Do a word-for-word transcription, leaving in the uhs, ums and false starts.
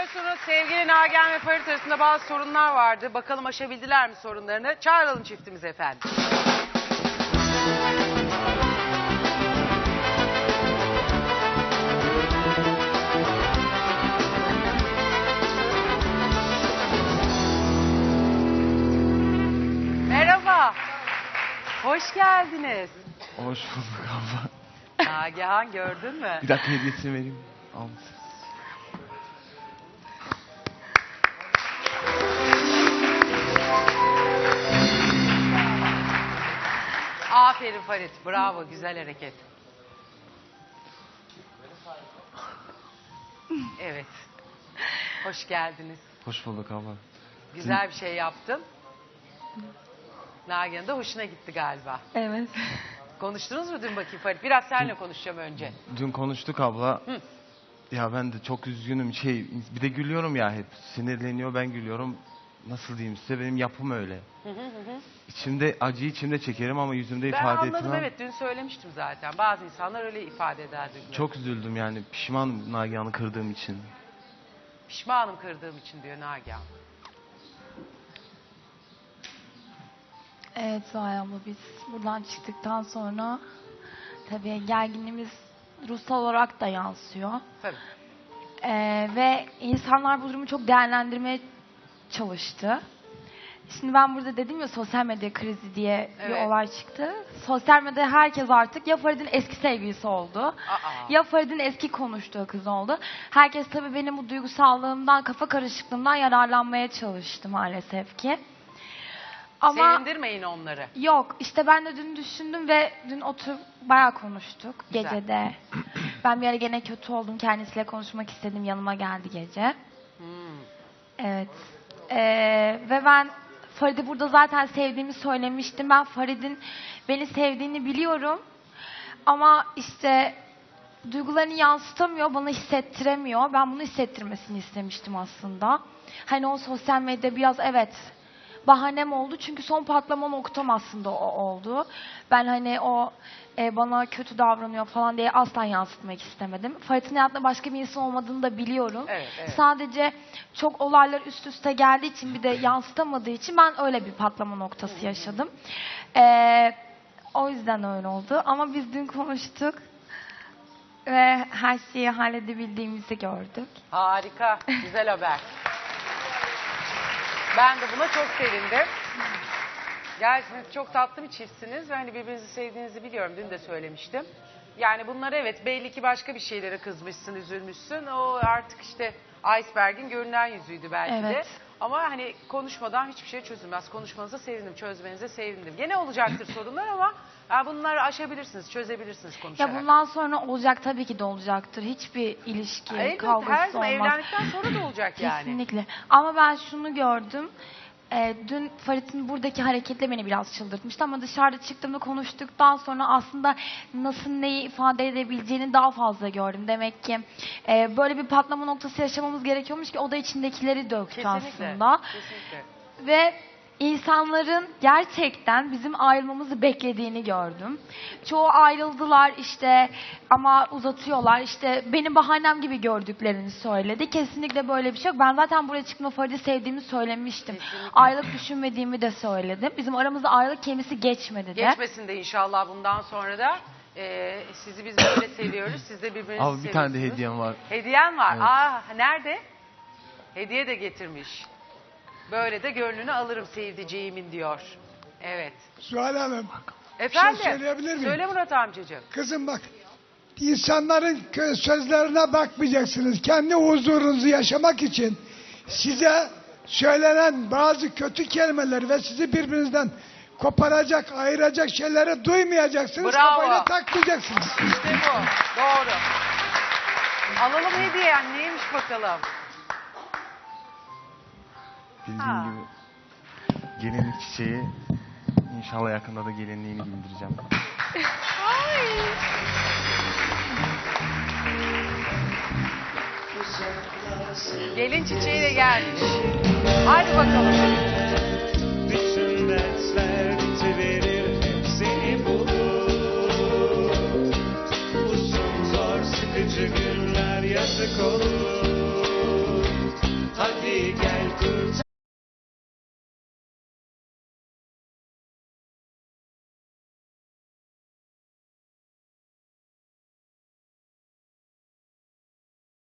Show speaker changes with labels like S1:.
S1: Biliyorsunuz sevgili Nagihan ve Farit arasında bazı sorunlar vardı. Bakalım aşabildiler mi sorunlarını? Çağıralım çiftimizi efendim. Merhaba. Hoş geldiniz.
S2: Hoş bulduk abla.
S1: Nagihan gördün mü?
S2: Bir dakika hediyesini vereyim. Al.
S1: Aferin Farit. Bravo. Güzel hareket. Evet. Hoş geldiniz.
S2: Hoş bulduk abla.
S1: Güzel bir şey yaptın. Nagihan'ın da hoşuna gitti galiba.
S3: Evet.
S1: Konuştunuz mu dün bakayım Farit? Biraz seninle konuşacağım önce.
S2: Dün konuştuk abla.
S1: Hı.
S2: Ya ben de çok üzgünüm. Şey, bir de gülüyorum ya hep. Sinirleniyor, ben gülüyorum. Nasıl diyeyim size, benim yapım öyle.
S1: Hı hı hı.
S2: İçimde acıyı içimde çekerim ama yüzümde
S1: Ben
S2: ifade
S1: anladım
S2: etmem.
S1: evet, dün söylemiştim zaten. Bazı insanlar öyle ifade eder. duygularını.
S2: Çok üzüldüm yani. Pişmanım Nagihan'ı kırdığım için.
S1: Pişmanım kırdığım için diyor Nagihan.
S3: Evet Zuhal abla, biz buradan çıktıktan sonra tabii gerginliğimiz ruhsal olarak da yansıyor.
S1: Tabii.
S3: Ee, ve insanlar bu durumu çok değerlendirmeye çalıştı. Şimdi ben burada dedim ya, sosyal medya krizi diye bir
S1: Evet.
S3: olay çıktı. Sosyal medyada herkes artık ya Farid'in eski sevgilisi oldu,
S1: Aa.
S3: ya Farid'in eski konuştuğu kız oldu. Herkes tabii benim bu duygusallığımdan, kafa karışıklığımdan yararlanmaya çalıştı maalesef ki. Ama
S1: Sevindirmeyin onları.
S3: yok, işte ben de dün düşündüm ve dün oturup bayağı konuştuk
S1: Güzel.
S3: gecede. Ben bir ara gene kötü oldum, kendisiyle konuşmak istedim, yanıma geldi gece.
S1: Hmm.
S3: Evet. Ee, ve ben Farid'i burada zaten sevdiğimi söylemiştim. Ben Farid'in beni sevdiğini biliyorum. Ama işte duygularını yansıtamıyor, bana hissettiremiyor. Ben bunu hissettirmesini istemiştim aslında. Hani o sosyal medya biraz evet bahanem oldu. Çünkü son patlama noktam aslında o oldu. Ben hani o e, bana kötü davranıyor falan diye asla yansıtmak istemedim. Farid'in hayatında başka bir insan olmadığını da biliyorum.
S1: Evet, evet.
S3: Sadece çok olaylar üst üste geldiği için, bir de yansıtamadığı için ben öyle bir patlama noktası yaşadım. Ee, o yüzden öyle oldu. Ama biz dün konuştuk ve her şeyi halledebildiğimizi gördük.
S1: Harika. Güzel haber. Ben de buna çok sevindim. Gerçekten çok tatlı bir çiftsiniz ve hani birbirinizi sevdiğinizi biliyorum. Dün de söylemiştim. Yani bunlar evet, belli ki başka bir şeylere kızmışsın, üzülmüşsün. O artık işte iceberg'in görünen yüzüydü belki de.
S3: Evet.
S1: Ama hani konuşmadan hiçbir şey çözülmez. Konuşmanıza sevindim, çözmenize sevindim. Gene olacaktır sorunlar ama ya bunları aşabilirsiniz, çözebilirsiniz konuşarak.
S3: Ya bundan sonra olacak, tabii ki de olacaktır. Hiçbir ilişki,
S1: Elbette,
S3: kavgası
S1: her zaman
S3: olmaz.
S1: evlendikten sonra da olacak yani.
S3: Kesinlikle. Ama ben şunu gördüm. E, dün Farid'in buradaki hareketle beni biraz çıldırtmıştı ama dışarıda çıktığımda konuştuktan sonra aslında nasıl neyi ifade edebileceğini daha fazla gördüm. Demek ki e, böyle bir patlama noktası yaşamamız gerekiyormuş ki o da içindekileri döktü
S1: Kesinlikle.
S3: aslında.
S1: Kesinlikle.
S3: Ve insanların gerçekten bizim ayrılmamızı beklediğini gördüm. Çoğu ayrıldılar işte ama uzatıyorlar, işte benim bahanem gibi gördüklerini söyledi. Kesinlikle böyle bir şey yok. Ben zaten buraya çıkma Farid'i sevdiğimi söylemiştim.
S1: Kesinlikle.
S3: Ayrılık düşünmediğimi de söyledim. Bizim aramızda ayrılık kelimesi geçmedi de.
S1: Geçmesin de inşallah bundan sonra da. Ee, sizi biz böyle seviyoruz. Siz de birbirinizi
S2: Abi bir
S1: seviyorsunuz.
S2: tane de hediyem var.
S1: Hediyen var.
S2: Evet.
S1: Aa, nerede? Hediye de getirmiş. Böyle de gönlünü alırım sevdiceğimin diyor. Evet.
S4: Zuhal Hanım,
S1: Efendim?
S4: şey söyleyebilir miyim?
S1: Söyle Murat amcacığım.
S4: kızım bak, insanların kö- sözlerine bakmayacaksınız. Kendi huzurunuzu yaşamak için size söylenen bazı kötü kelimeler ve sizi birbirinizden koparacak, ayıracak şeyleri duymayacaksınız.
S1: Bravo.
S4: Kafayla takmayacaksınız.
S1: İşte bu. Doğru. Alalım hediyen. Neymiş bakalım?
S2: Bildiğin
S1: Ha.
S2: gibi gelinlik çiçeği, inşallah yakında da gelinliğini giydireceğim.
S1: Gelin çiçeğiyle gelmiş. Hadi bakalım.
S5: Bütün dertler bitiverir, hepsini bulur. Uzun zor sıkıcı günler yazık olur. gel